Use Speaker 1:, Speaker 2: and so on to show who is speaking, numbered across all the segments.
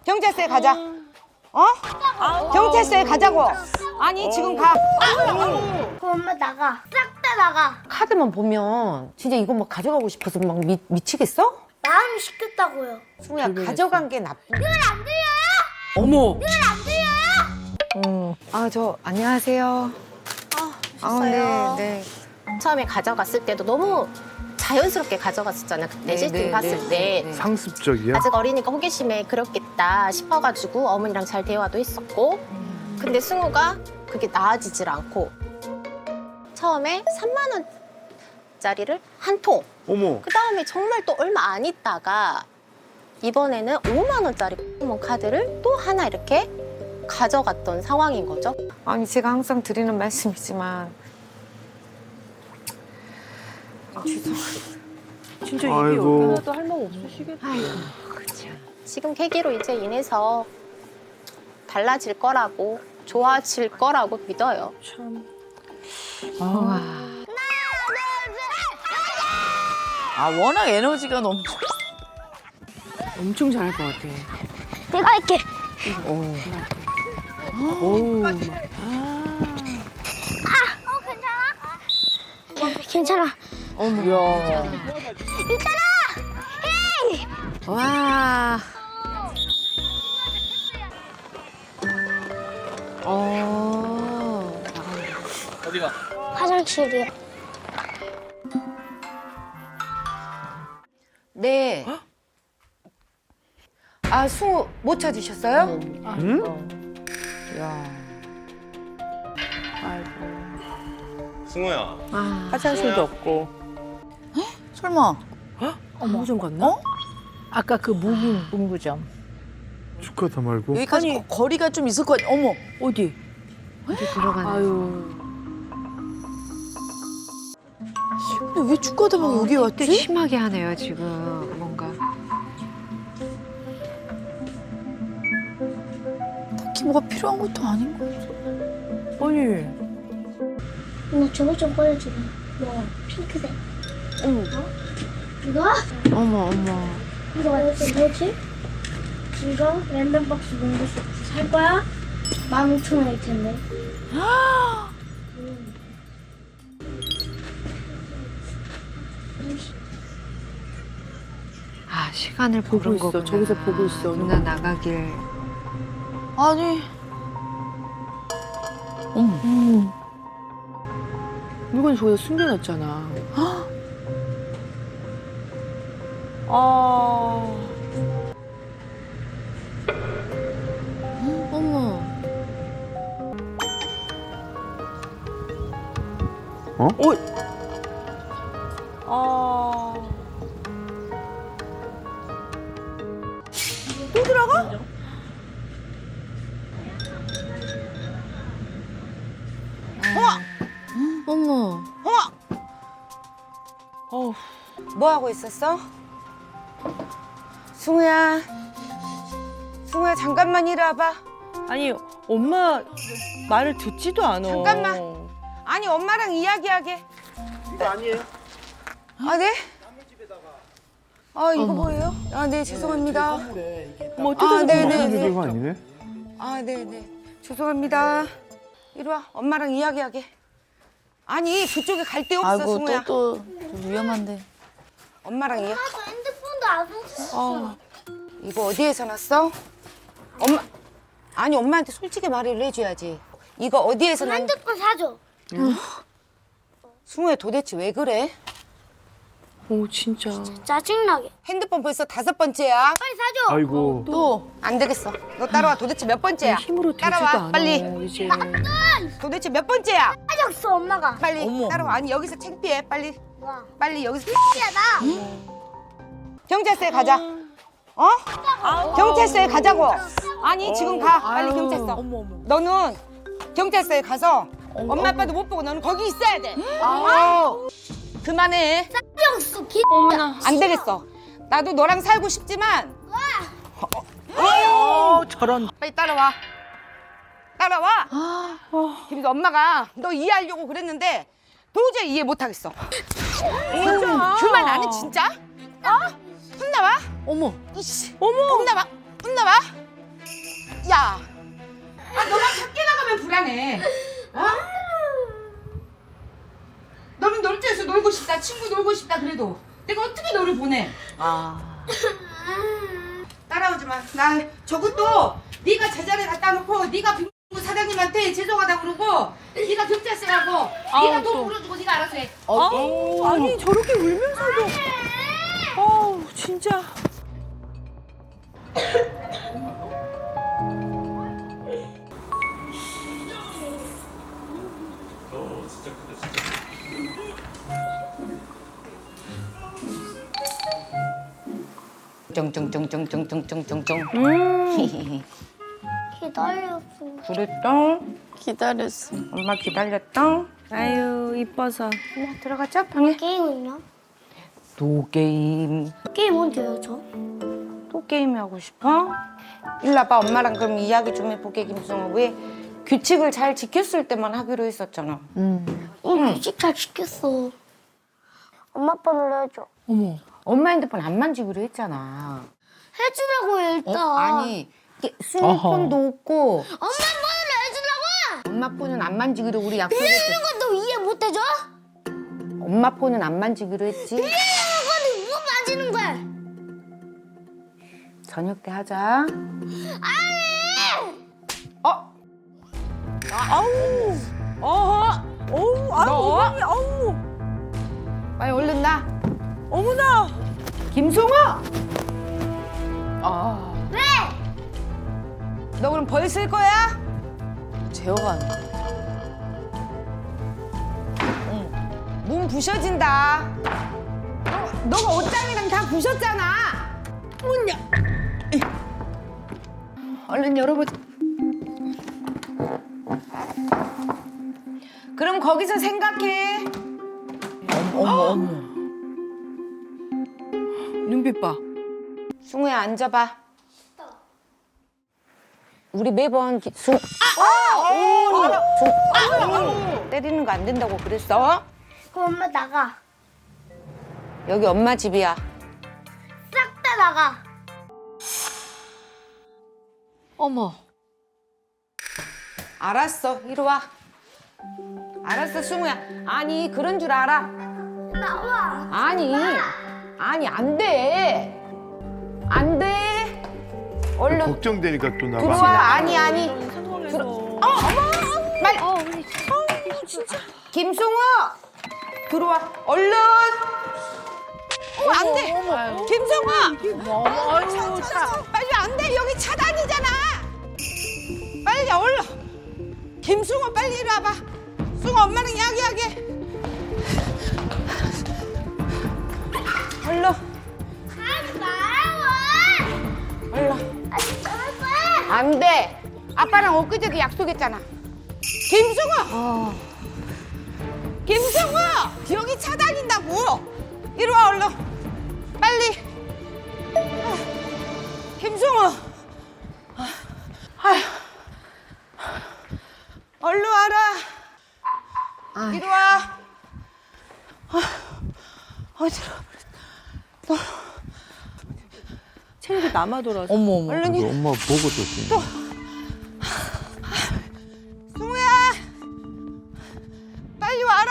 Speaker 1: 경찰서에 가자. 어? 경찰서에 가자고. 아니 지금 가.
Speaker 2: 그럼 엄마 나가. 싹 다 나가.
Speaker 1: 카드만 보면 진짜 이거 막 가져가고 싶어서 막 미치겠어?
Speaker 2: 마음이 시켰다고요.
Speaker 1: 승우야 가져간 게 나쁜.
Speaker 2: 안 들려요?
Speaker 3: 어머.
Speaker 2: 안 들려요?
Speaker 1: 아 저 안녕하세요.
Speaker 4: 오셨어요.
Speaker 1: 네.
Speaker 4: 처음에 가져갔을 때도 너무 자연스럽게 가져갔었잖아요. 그때 실팅 봤을 때.
Speaker 5: 상습적이야?
Speaker 4: 아직 어리니까 호기심에 그렇겠다 싶어가지고 어머니랑 잘 대화도 했었고. 근데 승우가 그게 나아지질 않고 처음에 3만 원짜리를 한 통.
Speaker 5: 어머.
Speaker 4: 그 다음에 정말 또 얼마 안 있다가 이번에는 5만 원짜리 포켓몬 카드를 또 하나 이렇게 가져갔던 상황인 거죠.
Speaker 1: 아니 제가 항상 드리는 말씀이지만
Speaker 3: 진짜 이게
Speaker 5: 아이고.
Speaker 3: 여기 하나도 할 말 없으시겠다.
Speaker 4: 지금 계기로 이제 인해서 달라질 거라고 좋아질 거라고 믿어요.
Speaker 3: 참.
Speaker 6: 아 워낙 에너지가 넘쳐.
Speaker 3: 엄청 잘할 것 같아.
Speaker 2: 내가 할게.
Speaker 3: 오.
Speaker 2: 괜찮아.
Speaker 6: 어머야.
Speaker 1: 와.
Speaker 2: 화장실이요.
Speaker 1: 네. 아 승우 못 찾으셨어요?
Speaker 5: 응?
Speaker 7: 승우야.
Speaker 3: 화장실도 없고.
Speaker 6: 설마.
Speaker 3: 무좀 갔나?
Speaker 6: 어? 아까 그 무긴 문구점.
Speaker 5: 축하다 말고.
Speaker 6: 여기까지
Speaker 3: 아니.
Speaker 6: 거리가 좀 있을 거 같아. 어머.
Speaker 3: 어디?
Speaker 1: 어디 들어가나?
Speaker 3: 아유.
Speaker 6: 근데 왜 축구하다가 여기 왔지?
Speaker 1: 심하게 하네요 지금 뭔가.
Speaker 6: 딱히 뭐가 필요한 것도 아닌 거 같아.
Speaker 3: 아니.
Speaker 2: 나 저거 좀 꺼내주라. 뭐 핑크색.
Speaker 3: 어머.
Speaker 2: 이거?
Speaker 1: 어머.
Speaker 2: 이거 뭐지? 이거 랜덤박스 농구 살 거야? 15,000원일 텐데.
Speaker 1: 아 시간을
Speaker 3: 보고
Speaker 1: 보는
Speaker 3: 있어.
Speaker 1: 거구나.
Speaker 3: 저기서 보고 있어.
Speaker 1: 누나 나가길.
Speaker 6: 아니. 어머.
Speaker 3: 물건 저기다 숨겨놨잖아.
Speaker 6: 어머. 어머.
Speaker 1: 뭐 하고 있었어? 승우야 잠깐만 이리 와봐.
Speaker 3: 아니 엄마 말을 듣지도 않아.
Speaker 1: 잠깐만. 아니 엄마랑 이야기하게.
Speaker 5: 이거 아니에요?
Speaker 1: 아 네? 아 이거 뭐예요? 아 네 죄송합니다.
Speaker 3: 어머
Speaker 1: 아,
Speaker 3: 뜯어서
Speaker 1: 네네.
Speaker 5: 이거 아니네?
Speaker 1: 아 네네 죄송합니다. 이리 와 엄마랑 이야기하게. 아니 그쪽에 갈 데 없어
Speaker 6: 아이고
Speaker 1: 승우야.
Speaker 6: 또 위험한데.
Speaker 1: 엄마랑 이야.
Speaker 2: 나도 핸드폰도 안 썼어.
Speaker 1: 이거 어디에서 났어? 엄마 아니 엄마한테 솔직히 말을 해줘야지. 이거 어디에서 난?
Speaker 2: 핸드폰 사줘.
Speaker 1: 승우야 도대체 왜 그래?
Speaker 3: 오 진짜.
Speaker 2: 짜증나게.
Speaker 1: 핸드폰 벌써 5번째야.
Speaker 2: 빨리 사줘.
Speaker 5: 아이고.
Speaker 6: 또.
Speaker 1: 안 되겠어. 너 따라와. 도대체 몇 번째야?
Speaker 3: 힘으로 되지도
Speaker 1: 따라와.
Speaker 3: 않아.
Speaker 1: 빨리.
Speaker 3: 이제.
Speaker 1: 도대체 몇 번째야?
Speaker 2: 사줬어 엄마가.
Speaker 1: 빨리
Speaker 6: 어머.
Speaker 1: 따라와. 아니 여기서 창피해. 빨리.
Speaker 2: 와.
Speaker 1: 빨리 여기서.
Speaker 2: 야 나.
Speaker 1: 경찰서에 가자. 어? 경찰서에 가자고. 아니 지금 가. 빨리 경찰서.
Speaker 6: 어머 어머.
Speaker 1: 너는 경찰서에 가서 엄마 아빠도 못 보고 너는 거기 있어야 돼. 그만해.
Speaker 2: 사줬어.
Speaker 1: 안 되겠어. 나도 너랑 살고 싶지만
Speaker 3: 저런.
Speaker 1: 빨리 따라와. 따라와. 김도 엄마가 너 이해하려고 그랬는데 도저히 이해 못하겠어. 그만 안 해 진짜? 어? 혼나와?
Speaker 6: 어머.
Speaker 1: 이씨. 어머. 혼나와? 혼나와? 야, 너만 밖에 나가면 불안해. 어? 너는 놀이터에서 놀고 싶다, 친구 놀고 싶다 그래도 내가 어떻게 너를 보내? 따라오지 마. 나 저것도 네가 제자리에 갖다 놓고 네가 빙고 사장님한테 죄송하다 그러고 네가 경찰서라고 네가 돈 물어주고 네가 알아서 해.
Speaker 3: 아니 저렇게 울면서도. 진짜.
Speaker 1: 쫑쫑쫑쫑쫑쫑쫑쫑.
Speaker 2: 기다렸어.
Speaker 1: 그랬다.
Speaker 6: 기다렸어.
Speaker 1: 엄마 기다렸다.
Speaker 3: 아유 이뻐서.
Speaker 1: 엄마 들어가자 방에.
Speaker 2: 게임은요?
Speaker 1: 또 게임.
Speaker 2: 게임 언제요, 저?
Speaker 1: 또 게임 하고 싶어? 일로 와봐. 엄마랑 그럼 이야기 좀 해보게. 김승호. 왜 규칙을 잘 지켰을 때만 하기로 했었잖아.
Speaker 2: 규칙 잘 지켰어. 엄마 번호로 해줘.
Speaker 6: 어머.
Speaker 1: 엄마 핸드폰 안 만지기로 했잖아.
Speaker 2: 해주라고요, 일단.
Speaker 1: 아니 승호 폰도 없고
Speaker 2: 엄마 번호로 해주라고!
Speaker 1: 엄마 폰은 안 만지기로 우리 약속했어.
Speaker 2: 이런 것도 이해 못 해줘?
Speaker 1: 엄마 폰은 안 만지기로 했지.
Speaker 2: 이런 거는 뭐 만지는 거야?
Speaker 1: 저녁 때 하자.
Speaker 3: 어우 아유
Speaker 1: 너?
Speaker 3: 어머니 어우.
Speaker 1: 빨리 얼른 나.
Speaker 3: 어머나.
Speaker 1: 김승호.
Speaker 2: 왜?
Speaker 1: 너 그럼 벌 쓸 거야?
Speaker 6: 제어가 안 돼.
Speaker 1: 몸 부셔진다. 너가 옷장이랑 다 부셨잖아. 얼른 열어보자. 그럼 거기서 생각해.
Speaker 6: 어머. 눈빛 봐.
Speaker 1: 승우야 앉아봐. 우리 매번 때리는 거 안 된다고 그랬어?
Speaker 2: 그럼 엄마 나가.
Speaker 1: 여기 엄마 집이야.
Speaker 2: 싹 다 나가.
Speaker 6: 어머.
Speaker 1: 알았어. 이리 와. 알았어 승우야. 아니 그런 줄 알아.
Speaker 2: 나와.
Speaker 1: 아니 안 돼. 안 돼. 얼른
Speaker 5: 걱정되니까 또 나가.
Speaker 1: 들어와. 아니.
Speaker 3: 상황에서.
Speaker 1: 빨리. 김승우 들어와. 얼른. 안 돼. 김승우.
Speaker 3: 아유
Speaker 1: 빨리 안 돼. 여기 차단이잖아. 빨리 얼른. 김승우 빨리 이리 와봐. 승우 엄마랑 이야기하게. 얼른.
Speaker 2: 하지 말라고.
Speaker 1: 얼른.
Speaker 2: 아니, 저럴 거야.
Speaker 1: 안 돼. 아빠랑 엊그제도 약속했잖아. 김승우. 김승우. 여기 차단인다고. 이리 와 얼른. 빨리. 김승우. 아휴. 얼른 와라. 이리 와. 어디로?
Speaker 3: 체력이 남아 돌아서.
Speaker 6: 어머.
Speaker 1: 얼른
Speaker 5: 이거 엄마 보고 줬지.
Speaker 1: 승우야. 빨리 와라.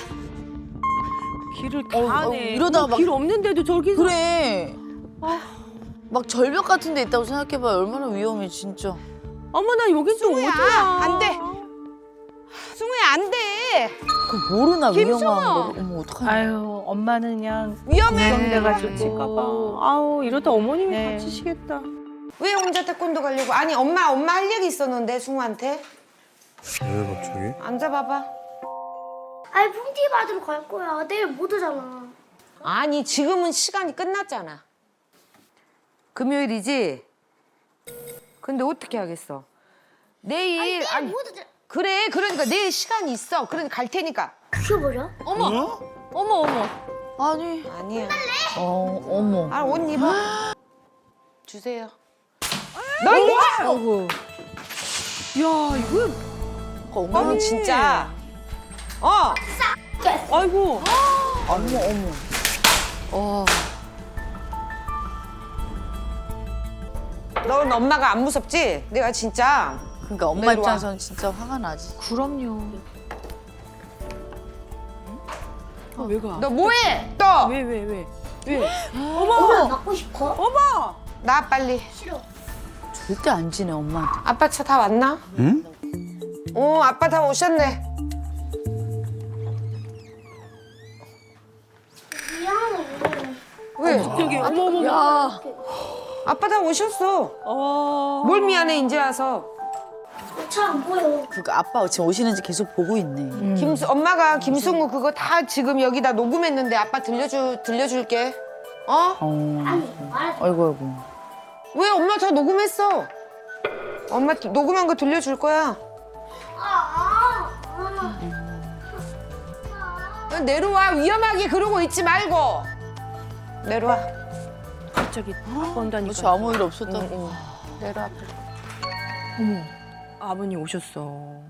Speaker 3: 길을 가네.
Speaker 6: 이러다가 막-
Speaker 3: 길 없는데도 저기서.
Speaker 6: 그래. 막 절벽 같은 데 있다고 생각해봐요. 얼마나 위험해 진짜.
Speaker 3: 어머나 여긴 또
Speaker 1: 승우야,
Speaker 3: 어디야?
Speaker 1: 안 돼. 승우야 안 돼.
Speaker 6: 그 모르나
Speaker 1: 김승호!
Speaker 6: 위험한 거를. 어머 어떡하냐.
Speaker 3: 아유 엄마는 그냥
Speaker 1: 위험해.
Speaker 3: 걱정돼가지고 칠까봐. 아우 이러다 어머님이
Speaker 6: 네.
Speaker 3: 다치시겠다.
Speaker 1: 왜 혼자 태권도 가려고? 아니 엄마 할 얘기 있었는데 승우한테.
Speaker 5: 왜 갑자기?
Speaker 1: 앉아봐봐.
Speaker 2: 아니, 폰티 받으러 갈 거야. 내일 못 오잖아.
Speaker 1: 아니 지금은 시간이 끝났잖아. 금요일이지? 근데 어떻게 하겠어? 내일
Speaker 2: 내일
Speaker 1: 아니,
Speaker 2: 못 오잖아.
Speaker 1: 그래 그러니까 내일 시간이 있어. 그러니까 갈 테니까.
Speaker 2: 그게 뭐야?
Speaker 6: 어머. 아니.
Speaker 1: 아니야.
Speaker 6: 어머.
Speaker 1: 아 옷 입어. 주세요. 너 이거
Speaker 6: 어구.
Speaker 3: 야 이거
Speaker 1: 너는 진짜.
Speaker 3: 아이고.
Speaker 6: 어머.
Speaker 1: 넌 엄마가 안 무섭지? 내가 진짜
Speaker 6: 그러니까 엄마
Speaker 1: 내려와.
Speaker 6: 입장에서는 진짜 화가 나지.
Speaker 3: 그럼요. 왜 가?
Speaker 1: 너 뭐해? 또!
Speaker 3: 왜?
Speaker 2: 엄마 맞고 싶어?
Speaker 1: 나 빨리.
Speaker 2: 싫어.
Speaker 6: 절대 안 지내 엄마한테.
Speaker 1: 아빠 차 다 왔나?
Speaker 5: 응?
Speaker 1: 아빠 다 오셨네.
Speaker 2: 미안해.
Speaker 1: 왜?
Speaker 6: 야,
Speaker 1: 아빠 다 오셨어. 뭘 미안해 이제 와서.
Speaker 2: 차 안 보여.
Speaker 6: 그러니까 아빠 지금 오시는지 계속 보고 있네.
Speaker 1: 엄마가 김승우 그거 다 지금 여기다 녹음했는데 아빠 들려줄게. 어?
Speaker 2: 아니 말하지.
Speaker 6: 아이고 아이고.
Speaker 1: 왜 엄마 다 녹음했어? 엄마 녹음한 거 들려줄 거야. 내려와. 위험하게 그러고 있지 말고. 내려와.
Speaker 3: 갑자기 아빠 온다니까.
Speaker 6: 그렇지 아무 일 없었다고.
Speaker 1: 내려와.
Speaker 3: 어머, 아버님 오셨어.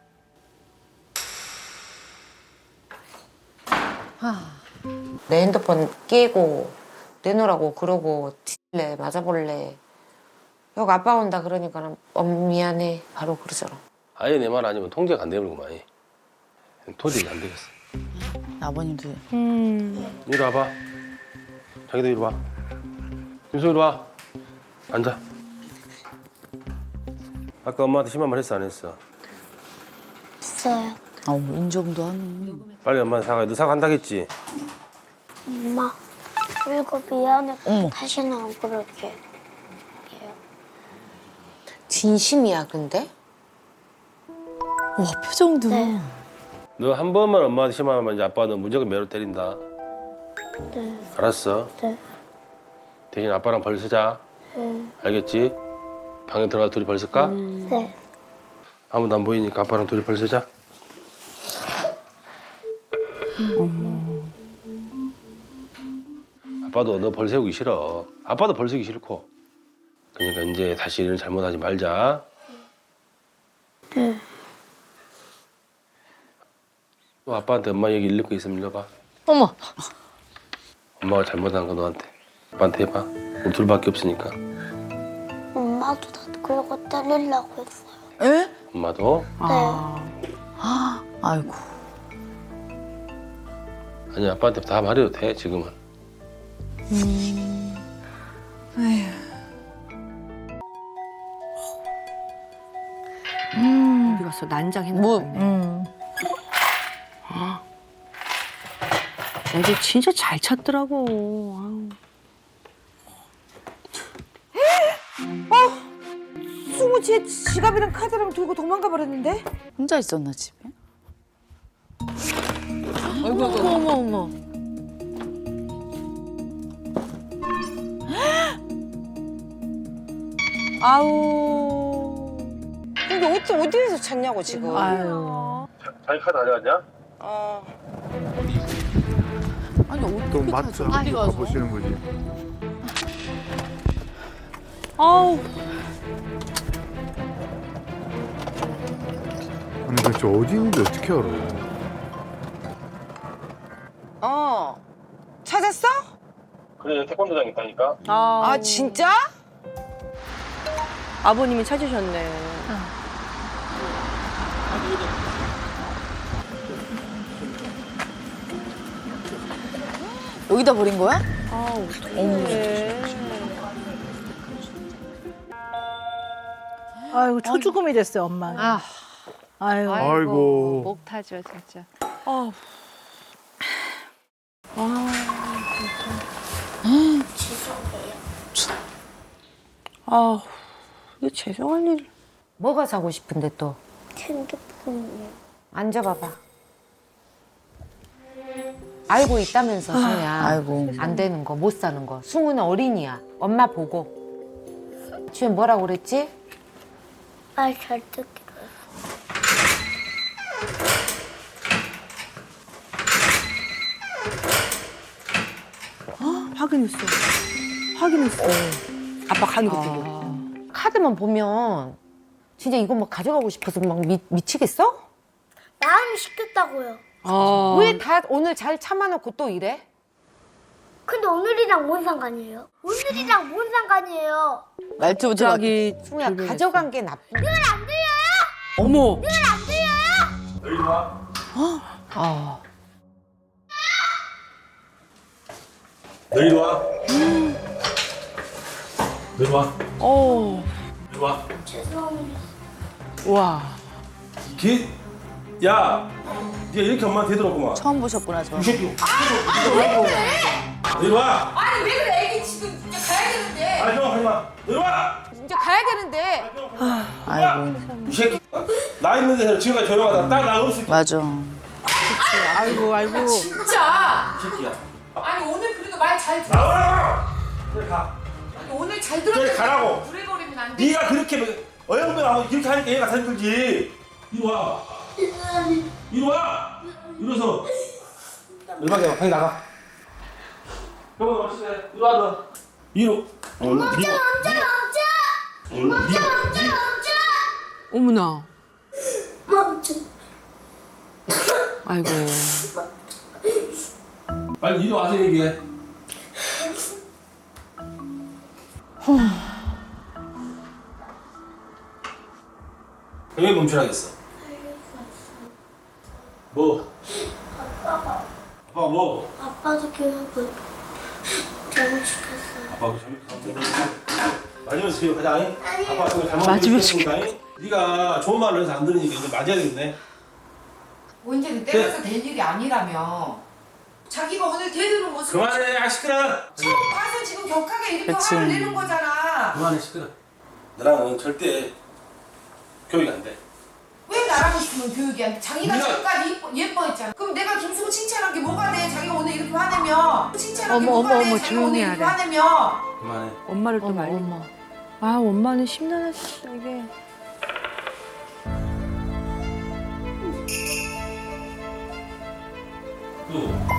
Speaker 1: 내 핸드폰 깨고 내놓으라고 그러고 칠래 맞아볼래. 여기 아빠 온다 그러니까 미안해 바로 그러잖아.
Speaker 7: 아예 내 말 아니면 통제가 안 되는구만. 도저히 안 되겠어.
Speaker 6: 아버님도
Speaker 7: 이리 와봐. 자기도 이리 와. 김수 이리 와. 앉아. 아까 엄마한테 심한 말 했어 안 했어?
Speaker 2: 있어요.
Speaker 6: 아우 인정도 하네.
Speaker 7: 빨리 엄마한테 사과해. 너 사과한다겠지?
Speaker 2: 엄마. 그리고 미안해.
Speaker 6: 어머.
Speaker 2: 다시는 안 그럴게.
Speaker 1: 진심이야 근데?
Speaker 6: 와 표정도.
Speaker 2: 네.
Speaker 7: 너 한 번만 엄마한테 심한 말 이제 아빠 너 무조건 매로 때린다.
Speaker 2: 네.
Speaker 7: 알았어.
Speaker 2: 네.
Speaker 7: 대신 아빠랑 벌 쓰자.
Speaker 2: 네.
Speaker 7: 알겠지? 방에 들어가 둘이 벌 쓸까?
Speaker 2: 네.
Speaker 7: 아무도 안 보이니까 아빠랑 둘이 벌 쓰자. 아빠도 너 벌 세우기 싫어. 아빠도 벌 세우기 싫고. 그러니까 이제 다시 일을 잘못하지 말자.
Speaker 2: 네.
Speaker 7: 또 아빠한테 엄마 얘기 읽을 거 있으면 읽어봐.
Speaker 6: 어머.
Speaker 7: 엄마가 잘못한 거 너한테. 아빠한테 해봐. 우리 둘밖에 없으니까.
Speaker 2: 엄마도 다 그러고 때리려고 했어요.
Speaker 6: 에?
Speaker 7: 엄마도.
Speaker 2: 네.
Speaker 6: 아이고.
Speaker 7: 아니 아빠한테 다 말해도 돼 지금은.
Speaker 3: 어디 갔어? 난장했나
Speaker 6: 뭐?
Speaker 3: 보네. 애들 진짜 잘 찾더라고. 아우. 승우 제 지갑이랑 카드랑 들고 도망가 버렸는데?
Speaker 6: 혼자 있었나 집에? 아이고 어머 어머.
Speaker 3: 아우.
Speaker 1: 근데 어디에서 찾냐고 지금.
Speaker 3: 아유.
Speaker 7: 자기 카드 가져갔냐?
Speaker 6: 아니 어떻게
Speaker 5: 또 맞죠?
Speaker 6: 빨리 가서.
Speaker 5: 가보시는 거지.
Speaker 3: 아우.
Speaker 5: 아니 도대체 어디 있는지 어떻게 알아?
Speaker 1: 찾았어?
Speaker 7: 그래 태권도장 있다니까.
Speaker 1: 아 진짜?
Speaker 3: 아버님이 찾으셨네.
Speaker 6: 여기다 버린 거야?
Speaker 3: 아우. 어떡해.
Speaker 8: 아이고 초죽음이 됐어요 엄마.
Speaker 9: 아,
Speaker 8: 아유.
Speaker 5: 아이고.
Speaker 9: 목 타죠 진짜.
Speaker 3: 아우. 아우. 이거 죄송할 일.
Speaker 1: 뭐가 사고 싶은데 또?
Speaker 2: 핸드폰이요.
Speaker 1: 앉아봐봐. 알고 있다면서 승우야.
Speaker 6: 아이고.
Speaker 1: 안 되는 거, 못 사는 거. 승우는 어린이야. 엄마 보고. 주연 뭐라고 그랬지?
Speaker 2: 말 잘 듣기로 했어.
Speaker 3: 확인했어. 확인했어. 아빠 가는 거 보고.
Speaker 1: 카드만 보면 진짜 이거 막 가져가고 싶어서 막 미치겠어?
Speaker 2: 마음이 시켰다고요.
Speaker 3: 아.
Speaker 1: 왜 다 오늘 잘 참아놓고 또 이래?
Speaker 2: 근데 오늘이랑 뭔 상관이에요? 오늘이랑 뭔 상관이에요?
Speaker 6: 말투부터
Speaker 3: 갑자기
Speaker 1: 승우야 가져간 게 나쁜.
Speaker 3: 어머.
Speaker 7: 여기 와.
Speaker 3: 아.
Speaker 7: 너희도 와. 너희도 와.
Speaker 3: 어.
Speaker 7: 너희도 와.
Speaker 2: 죄송합니다.
Speaker 3: 와.
Speaker 7: 야, 네가 이렇게 엄마한테 대들었구만.
Speaker 6: 처음 보셨구나 저.
Speaker 7: 이 새끼. 너희도 와.
Speaker 1: 아니 왜 그래? 애기 지금 이제 가야 되는데.
Speaker 7: 아, 형 하지 마. 너희도 와.
Speaker 1: 이제 가야 되는데.
Speaker 6: 아이고
Speaker 7: 이 새끼. 나 있는 데서 지금까지 조용하다. 딱 나 없을 때.
Speaker 6: 맞아.
Speaker 3: 아이고 아이고.
Speaker 1: 진짜.
Speaker 7: 이 새끼야.
Speaker 1: 아니 오늘 그래도 말 잘 들어.
Speaker 7: 나와라. 그래 가.
Speaker 1: 아니, 오늘 잘
Speaker 7: 그래
Speaker 1: 들었는데.
Speaker 7: 가라고.
Speaker 1: 부레거리면 안 돼.
Speaker 7: 네가 그렇게 어영부영하고 이렇게 하니까 얘가 사진 들지. 이리 와. 이리 와. 이리서. 얼마게 와. 방에 나가. 형은 어디 있어? 이리 와 너. 이리. 멈춰.
Speaker 3: 어머나.
Speaker 2: 멈춰.
Speaker 3: 아이고.
Speaker 7: 빨리 이리 와서 얘기해. 왜 멈추라겠어? 뭐? 아빠 뭐?
Speaker 2: 아빠도 교육을 잘못시켰어요.
Speaker 7: 아빠하고 맞으면서 교육하자. 잉? 아빠 정말 잘못
Speaker 3: 맞으면서
Speaker 7: 네가 좋은 말을 해서 안 들으니까 이제 맞아야 되겠네.
Speaker 1: 언제는 때려서 될 일이 아니라며. 자기가 오늘 대드는 모습
Speaker 7: 그만해, 아 시끄러.
Speaker 1: 처음 봐서 지금 격하게 이렇게
Speaker 6: 그치.
Speaker 1: 화를 내는 거잖아.
Speaker 7: 그만해, 시끄러. 너랑은 절대 교육이 안 돼.
Speaker 1: 왜 나랑 있으면 교육이 안 돼? 자기가
Speaker 7: 네가-
Speaker 1: 지금까지 예뻐했잖아. 그럼 내가 김수호 칭찬한 게 뭐가 돼? 자기가 오늘 이렇게 화내면 칭찬한 게
Speaker 8: 어머,
Speaker 1: 뭐가
Speaker 8: 어머,
Speaker 1: 돼?
Speaker 8: 어머,
Speaker 1: 자기가 오늘
Speaker 8: 조용히
Speaker 1: 이렇게
Speaker 8: 하래.
Speaker 1: 화내면.
Speaker 7: 그만해.
Speaker 3: 엄마를 또 말려. 아 엄마는 심란하시다 이게.
Speaker 7: 또.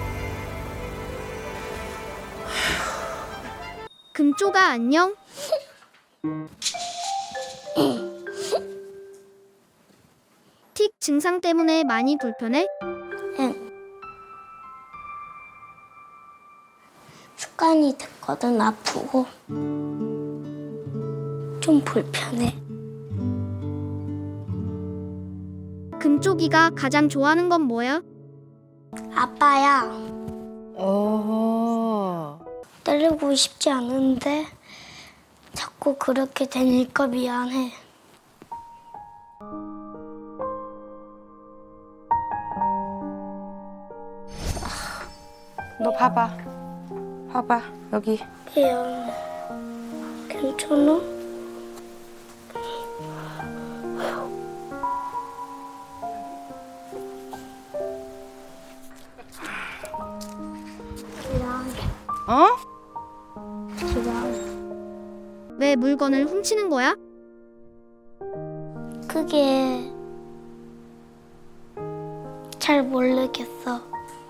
Speaker 2: 금쪽아 안녕? 틱 증상 때문에 많이 불편해? 응. 습관이 됐거든 아프고 좀 불편해. 금쪽이가 가장 좋아하는 건 뭐야? 아빠야.
Speaker 8: 어.
Speaker 2: 때리고 싶지 않은데 자꾸 그렇게 되니까 미안해.
Speaker 1: 너 봐봐. 봐봐 여기.
Speaker 2: 미안해. 괜찮아? 미안해.
Speaker 1: 어?
Speaker 2: 미안해.
Speaker 9: 왜 물건을 훔치는 거야?
Speaker 2: 그게 잘 모르겠어.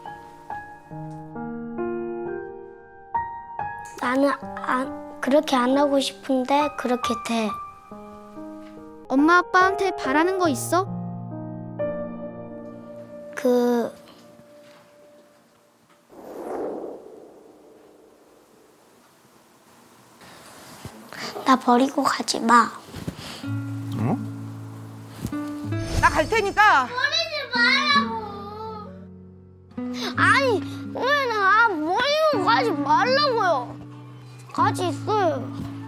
Speaker 2: 나는 그렇게 안 하고 싶은데 그렇게 돼.
Speaker 9: 엄마 아빠한테 바라는 거 있어?
Speaker 2: 나 버리고 가지 마.
Speaker 1: 나 갈 테니까.
Speaker 2: 아니 왜 나 버리고 가지 말라고요. 같이 있어요.